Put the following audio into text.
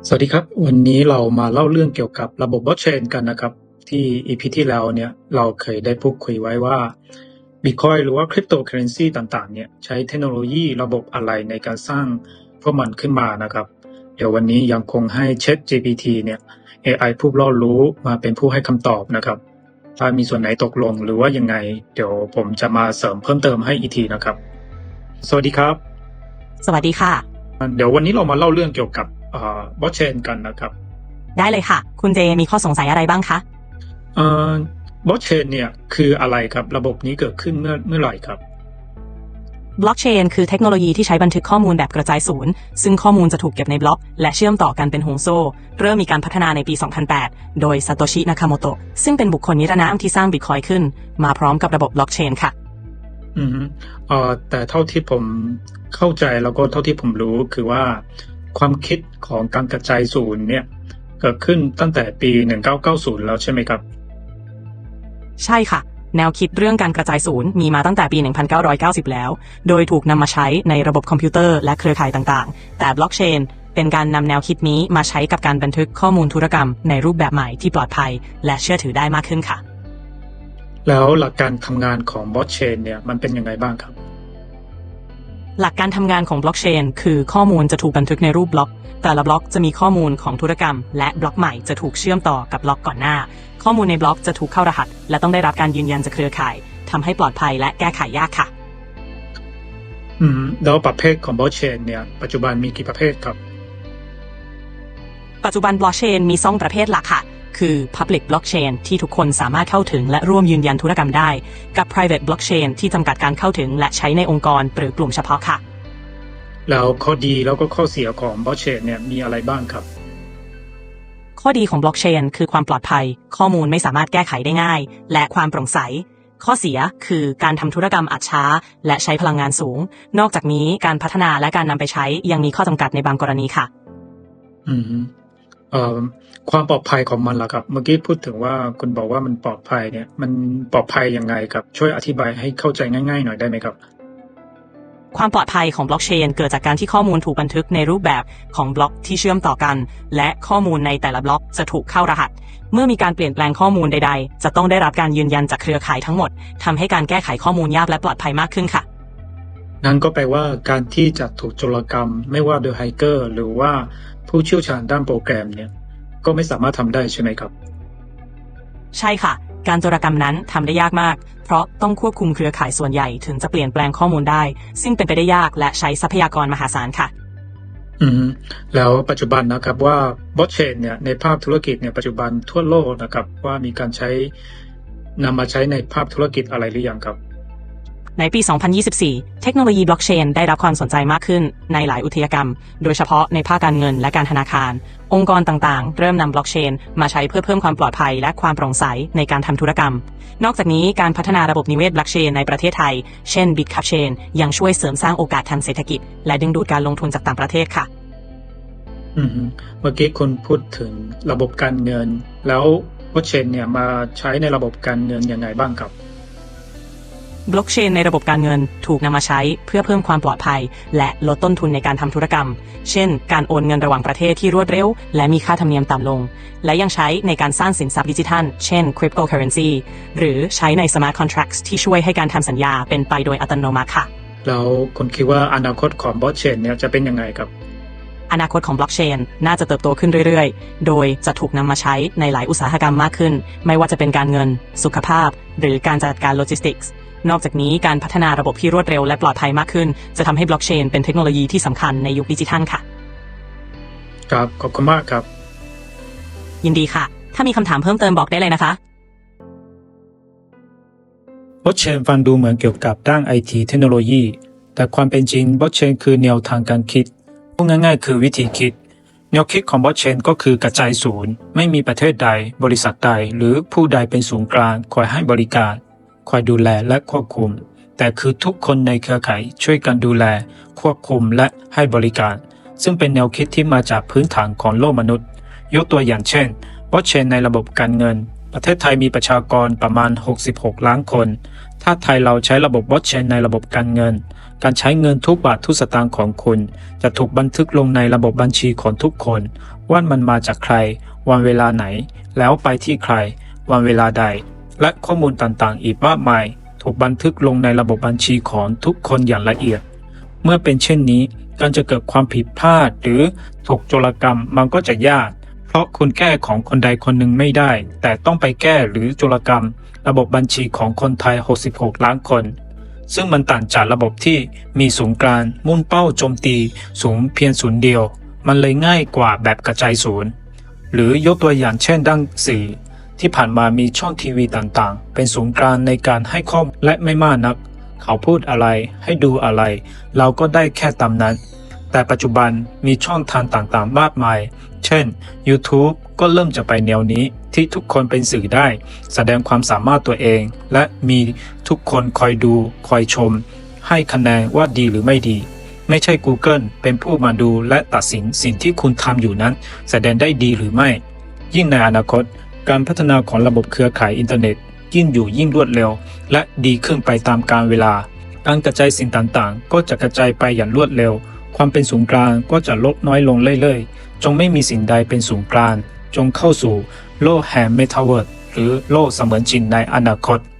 สวัสดีครับวันนี้เรามาเล่าเรื่องเกี่ยวกับระบบ Blockchain กันนะครับที่ EP ที่แล้วเนี่ยเราเคยได้พูดคุยไว้ว่า Bitcoin หรือว่า Cryptocurrency ต่างๆเนี่ยใช้เทคโนโลยีระบบอะไรในการสร้างพวกมันขึ้นมานะครับเดี๋ยววันนี้ยังคงให้ ChatGPT เนี่ย AI ผู้รอบรู้มาเป็นผู้ให้คำตอบนะครับถ้ามีส่วนไหนตกหล่นหรือว่ายังไงเดี๋ยวผมจะมาเสริมเพิ่มเติมให้อีกทีนะครับสวัสดีครับสวัสดีค่ะเดี๋ยววันนี้เรามาเล่าเรื่องเกี่ยวกับบล็อกเชนกันนะครับได้เลยค่ะ คุณเจมีข้อสงสัยอะไรบ้างคะบล็อกเชนเนี่ยคืออะไรครับระบบนี้เกิดขึ้นเมื่อไหร่ครับบล็อกเชนคือเทคโนโลยีที่ใช้บันทึกข้อมูลแบบกระจายศูนย์ซึ่งข้อมูลจะถูกเก็บในบล็อกและเชื่อมต่อกันเป็นห่วงโซ่เริ่มมีการพัฒนาในปี 2008 โดยซาโตชิ นาคาโมโตะซึ่งเป็นบุคคลนิรนามที่สร้างบิตคอยน์ขึ้นมาพร้อมกับระบบบล็อกเชนค่ะอืมแต่เท่าที่ผมเข้าใจแล้วก็เท่าที่ผมรู้คือว่าความคิดของการกระจายศูนย์เนี่ยเกิดขึ้นตั้งแต่ปี1990แล้วใช่ไหมครับใช่ค่ะแนวคิดเรื่องการกระจายศูนย์มีมาตั้งแต่ปี 1990 แล้วโดยถูกนำมาใช้ในระบบคอมพิวเตอร์และเครือข่ายต่างๆแต่บล็อกเชนเป็นการนำแนวคิดนี้มาใช้กับการบันทึกข้อมูลธุรกรรมในรูปแบบใหม่ที่ปลอดภัยและเชื่อถือได้มากขึ้นค่ะแล้วหลักการทำงานของบล็อกเชนเนี่ยมันเป็นยังไงบ้างครับหลักการทำงานของบล็อกเชนคือข้อมูลจะถูกบันทึกในรูปบล็อกแต่ละบล็อกจะมีข้อมูลของธุรกรรมและบล็อกใหม่จะถูกเชื่อมต่อกับบล็อกก่อนหน้าข้อมูลในบล็อกจะถูกเข้ารหัสและต้องได้รับการยืนยันจากเครือข่ายทำให้ปลอดภัยและแก้ไขยากค่ะแล้วประเภทของบล็อกเชนเนี่ยปัจจุบันมีกี่ประเภทครับปัจจุบันบล็อกเชนมี2ประเภทหลักค่ะคือ Public Blockchain ที่ทุกคนสามารถเข้าถึงและร่วมยืนยันธุรกรรมได้กับ Private Blockchain ที่จำกัดการเข้าถึงและใช้ในองค์กรหรือกลุ่มเฉพาะค่ะแล้วข้อดีแล้วก็ข้อเสียของบล็อกเชนเนี่ยมีอะไรบ้างครับข้อดีของบล็อกเชนคือความปลอดภัยข้อมูลไม่สามารถแก้ไขได้ง่ายและความโปร่งใสข้อเสียคือการทำธุรกรรมอาจช้าและใช้พลังงานสูงนอกจากนี้การพัฒนาและการนำไปใช้ยังมีข้อจำกัดในบางกรณีค่ะอืมความปลอดภัยของมันล่ะครับเมื่อกี้พูดถึงว่าคุณบอกว่ามันปลอดภัยเนี่ยมันปลอดภัยยังไงครับช่วยอธิบายให้เข้าใจง่ายๆหน่อยได้ไหมครับความปลอดภัยของบล็อกเชนเกิดจากการที่ข้อมูลถูกบันทึกในรูปแบบของบล็อกที่เชื่อมต่อกันและข้อมูลในแต่ละบล็อกจะถูกเข้ารหัสเมื่อมีการเปลี่ยนแปลงข้อมูลใดๆจะต้องได้รับการยืนยันจากเครือข่ายทั้งหมดทำให้การแก้ไขข้อมูลยากและปลอดภัยมากขึ้นค่ะนั่นก็แปลว่าการที่จะถูกโจรกรรมไม่ว่าโดยแฮกเกอร์หรือว่าผู้เชี่ยวชาญด้านโปรแกรมเนี่ยก็ไม่สามารถทำได้ใช่ไหมครับใช่ค่ะการโจรกรรมนั้นทำได้ยากมากเพราะต้องควบคุมเครือข่ายส่วนใหญ่ถึงจะเปลี่ยนแปลงข้อมูลได้ซึ่งเป็นไปได้ยากและใช้ทรัพยากรมหาศาลค่ะอืมแล้วปัจจุบันนะครับว่าบล็อกเชนเนี่ยในภาคธุรกิจเนี่ยปัจจุบันทั่วโลกนะครับว่ามีการนำมาใช้ในภาคธุรกิจอะไรหรือยังครับในปี 2024 เทคโนโลยีบล็อกเชนได้รับความสนใจมากขึ้นในหลายอุตสาหกรรมโดยเฉพาะในภาคการเงินและการธนาคาร องค์กรต่างๆ เริ่มนำบล็อกเชนมาใช้เพื่อเพิ่มความปลอดภัยและความโปร่งใสในการทำธุรกรรม นอกจากนี้การพัฒนาระบบนิเวศบล็อกเชนในประเทศไทย เช่น Bitcap-chain ยังช่วยเสริมสร้างโอกาสทางเศรษฐกิจและดึงดูดการลงทุนจากต่างประเทศค่ะเมื่อกี้คุณพูดถึงระบบการเงินแล้วบล็อกเชนเนี่ยมาใช้ในระบบการเงินยังไงบ้างครับบล็อกเชนในระบบการเงินถูกนำมาใช้เพื่อเพิ่มความปลอดภัยและลดต้นทุนในการทำธุรกรรม เช่น การโอนเงินระหว่างประเทศที่รวดเร็วและมีค่าธรรมเนียมต่ำลง และยังใช้ในการสร้างสินทรัพย์ดิจิทัล เช่น cryptocurrency หรือใช้ใน smart contracts ที่ช่วยให้การทำสัญญาเป็นไปโดยอัตโนมัติค่ะแล้วคุณคิดว่าอนาคตของบล็อกเชนเนี่ยจะเป็นยังไงครับอนาคตของบล็อกเชนน่าจะเติบโตขึ้นเรื่อยๆ โดยจะถูกนำมาใช้ในหลายอุตสาหกรรมมากขึ้น ไม่ว่าจะเป็นการเงิน สุขภาพ หรือการจัดการโลจิสติกส์นอกจากนี้การพัฒนาระบบที่รวดเร็วและปลอดภัยมากขึ้นจะทำให้บล็อกเชนเป็นเทคโนโลยีที่สำคัญในยุคดิจิทัลค่ะครับขอบคุณมากครับยินดีค่ะถ้ามีคำถามเพิ่มเติมบอกได้เลยนะคะบล็อกเชนฟังดูเหมือนเกี่ยวกับด้านไอทีเทคโนโลยีแต่ความเป็นจริงบล็อกเชนคือแนวทางการคิดพูดง่ายๆคือวิธีคิดแนวคิดของบล็อกเชนก็คือกระจายศูนย์ไม่มีประเทศใดบริษัทใดหรือผู้ใดเป็นศูนย์กลางคอยให้บริการคอยดูแลและควบคุมแต่คือทุกคนในเครือข่ายช่วยกันดูแลควบคุมและให้บริการซึ่งเป็นแนวคิดที่มาจากพื้นฐานของโลกมนุษย์ยกตัวอย่างเช่นบล็อกเชนในระบบการเงินประเทศไทยมีประชากรประมาณ66ล้านคนถ้าไทยเราใช้ระบบบล็อกเชนในระบบการเงินการใช้เงินทุกบาททุกสตางค์ของคุณจะถูกบันทึกลงในระบบบัญชีของทุกคนว่ามันมาจากใครวันเวลาไหนแล้วไปที่ใครวันเวลาใดและข้อมูลต่างๆอีกมากมายถูกบันทึกลงในระบบบัญชีของทุกคนอย่างละเอียดเมื่อเป็นเช่นนี้การจะเกิดความผิดพลาดหรือถูกโจรกรรมมันก็จะยากเพราะคุณแก้ของคนใดคนหนึ่งไม่ได้แต่ต้องไปแก้หรือโจรกรรมระบบบัญชีของคนไทย66ล้านคนซึ่งมันต่างจากระบบที่มีศูนย์กลางมุ่งเป้าโจมตีศูนย์เพียงศูนย์เดียวมันเลยง่ายกว่าแบบกระจายศูนย์หรือยกตัวอย่างเช่นด้านสื่อที่ผ่านมามีช่องทีวีต่างๆเป็นศูนย์กลางในการให้ข้อมูลและไม่มากนักเขาพูดอะไรให้ดูอะไรเราก็ได้แค่ตามนั้นแต่ปัจจุบันมีช่องทางต่างๆมากมายเช่น YouTube ก็เริ่มจะไปแนวนี้ที่ทุกคนเป็นสื่อได้แสดงความสามารถตัวเองและมีทุกคนคอยดูคอยชมให้คะแนนว่าดีหรือไม่ดีไม่ใช่ Google เป็นผู้มาดูและตัดสินสิ่งที่คุณทำอยู่นั้นแสดงได้ดีหรือไม่ยิ่งในอนาคตการพัฒนาของระบบเครือข่ายอินเทอร์เน็ตยิ่งอยู่ยิ่งรวดเร็วและดีขึ้นไปตามกาลเวลาการกระจายสิ่งต่างๆก็จะกระจายไปอย่างรวดเร็วความเป็นศูนย์กลางก็จะลดน้อยลงเรื่อยๆจงไม่มีสิ่งใดเป็นศูนย์กลางจงเข้าสู่โลกแห่งเมตาเวิร์สหรือโลกเสมือนจริงในอนาคต